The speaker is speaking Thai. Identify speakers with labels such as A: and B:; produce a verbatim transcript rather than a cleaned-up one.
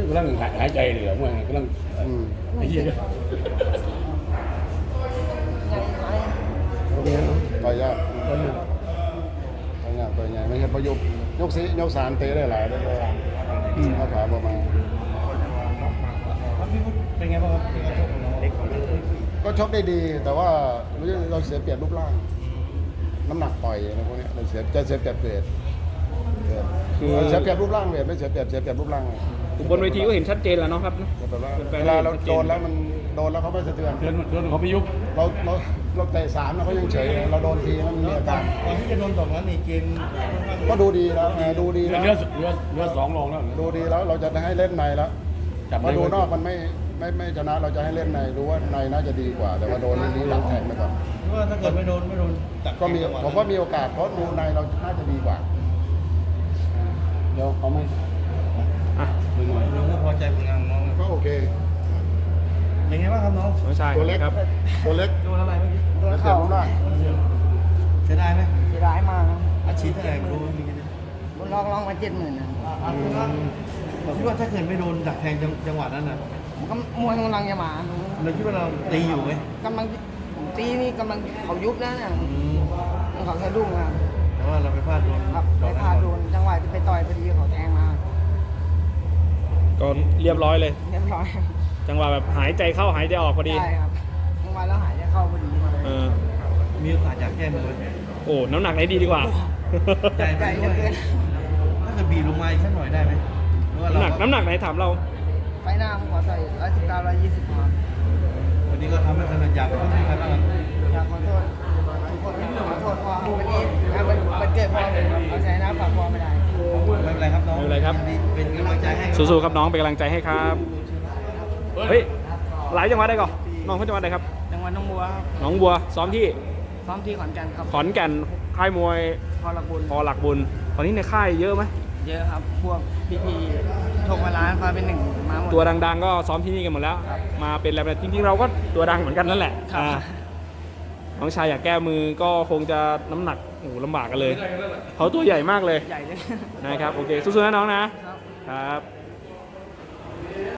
A: กำลังหายใจเหลือเมื่อกำลังไอ้เหี้ย
B: ต่อยยากต่อยยากต่อยใหญ่ไม่ใช่ประยุกต์ยกสียกสารเตะได้หลายได้เลยข้าขาประมาณ
C: เป็นไงบ้างครับ
B: ก็ชกได้ดีแต่ว่าเราเสียเปรียบรูปร่างน้ำหนักปล่อยอะไรพวกนี้เราเสียจะเสียเปรียบเวทคือเสียเปรียบรูปร่างเวทไม่เสียเปรียบเสียเปรียบรูปร่าง
D: บนเวทีก็เห็นชัดเจนแล้วเนาะครับ
B: เวลาเราโดนแล้วมันโดนแล้วเขาไม่สะเทือน
A: โดนโดนเขาไปยุบ
B: เราเราเราเตะสามแล้วเขายังเฉยเราโดนทีแล้วมันมีอาการ
C: ก่อนที่จะโดนตกนั้นนี่เกม
B: ก็ดูดีแล้วดูดี
A: เลือดเลือดเลือดสองลงแล้ว
B: ดูดีแล้วเราจะให้เล่นในแล้วมาดูนอกมันไม่ไม่ไม่ชนะเราจะให้เล่นในรู้ว่าในน่าจะดีกว่าแต่ว่าโดนนี้ดักแทงไปก่อน
C: ว่าถ้าเกิดไม่โดนไม่โดน
B: ก็มีผมว่ามีโอกาสเพราะดูในเราน่าจะดีกว่า
A: เดี๋ยวเขาไม่
D: อ่ะ
A: หน่อย
C: น้องก็พอใจผลงานน้อง
B: ก็โอเค
C: เป็นไงบ้างครับน้อง
D: น้องชาย
B: ตัวเล็ก
D: ครับ
B: ตัวเล็ก
C: โดนอะไรเมื่อกี้
B: โดนเข่าได้
C: เสียดายไหม
E: เสียดายมากครับ
C: อาชีพเท่าไหร่รู้มีกัน
E: บนลองลองมาเจ็ดหมื่นนะ
C: เราคิดว่าถ้าเกิดไม่โดนดักแทงจังหวะนั้นน่ะ
E: ผมก็มวยกำลังจะมา
C: เราคิดว่าเราตีอยู่ไหม
E: กำลังตีนี่กำลังเขายุบแล้วเนี่ยเขาสะดุ้งอ่ะ
C: แต่ว่าเราไปพลาดโดน
E: ครับไปพลาดโดนจังหวะที่ไปต่อยพอดีเขาแทงมา
D: ก่อนเรียบร้อยเลย
E: เรียบร้อย
D: จังหวะแบบหายใจเข้าหายใจออกพอดี
E: ใช่ครับจังหวะแล้วหายใจเข้าพอดี
D: เออ
C: มีโอกาสอยากแก้มือ
D: โอ้น้ำหนักไหนดีดีกว่า
C: ใจไปด้วยถ้าเกิดบีบลงมาอีกสักหน่อยได้ไหม
D: น้ำหนักน้ำหนักไหนถามเรา
E: ไฟหน้าผมขอต่อยร้อยสิบเก้าร้อยยี่สิบครับ
C: วันนี้ก็ทำให้ขนาดอยากขอโทษใครบ้าง
E: อยากขอโทษทุกคนขอโทษพอวันนี้มันเกิดพอเอาใจนะฝากพอไม่ได้
C: ไม่เป็นไรครับน้อง
D: ไม่เป็นไรครับ
C: เป็นกำลังใจให้
D: สู้ๆครับน้องเป็นกำลังใจให้ครับเฮ้ยหลายจังหวัดได้ก่อนน้องเขาจังหวัดไหนครับ
E: จังหวัดหนองบัวครับ
D: หนองบัวซ้อมที่
E: ซ้อมที่ขอนแก่นครับ
D: ขอนแก่นค่ายมวย
E: พอหลักบุญ
D: พอหลักบุญตอนนี้ในค่ายเยอะไหม
E: เยอะครับพวกพี่ๆชกมาล้านคอยเป็นหนึ่งมาหมด
D: ตัวดังๆก็ซ้อมที่นี่กันหมดแล้วมาเป็นอะไรจริงๆเราก็ตัวดังเหมือนกันนั่นแหละน้องชายอยากแก้มือก็คงจะน้ำหนักโอ้ลำบากกันเลยเขาตัวใหญ่มากเลย
E: ใหญ่เลย
D: นะครับโอเคสู้ๆนะน้องนะครับ